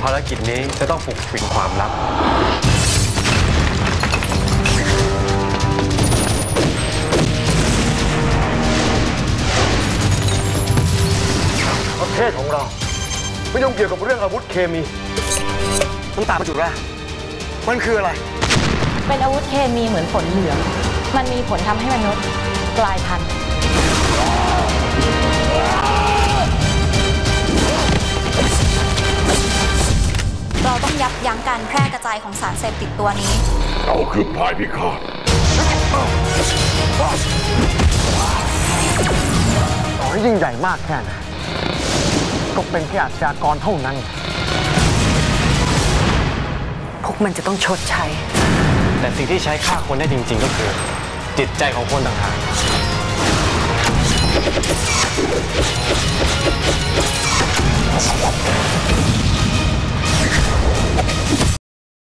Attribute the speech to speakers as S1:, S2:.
S1: ภารกิจนี้จะต้องปกปิดความลับประเทศของเราไม่ยุ่งเกี่ยวกับเรื่องอาวุธเคมีน้ำตาประจุแรกมันคืออะไร
S2: เป็นอาวุธเคมีเหมือนฝนเหลืองมันมีผลทำให้มนุษย์กลายพันธุ์
S3: เราต้องยับยั้งการแพร่กระจายของสารเสพติดตัวนี้
S4: เราคือพายพิฆาต
S1: ต่อให้ยิ่งใหญ่มากแค่ไหนก็เป็นแค่อาชญากรเท่านั้น
S2: พวกมันจะต้องชดใช้
S1: แต่สิ่งที่ใช้ฆ่าคนได้จริงๆก็คือจิตใจของคนต่างหาก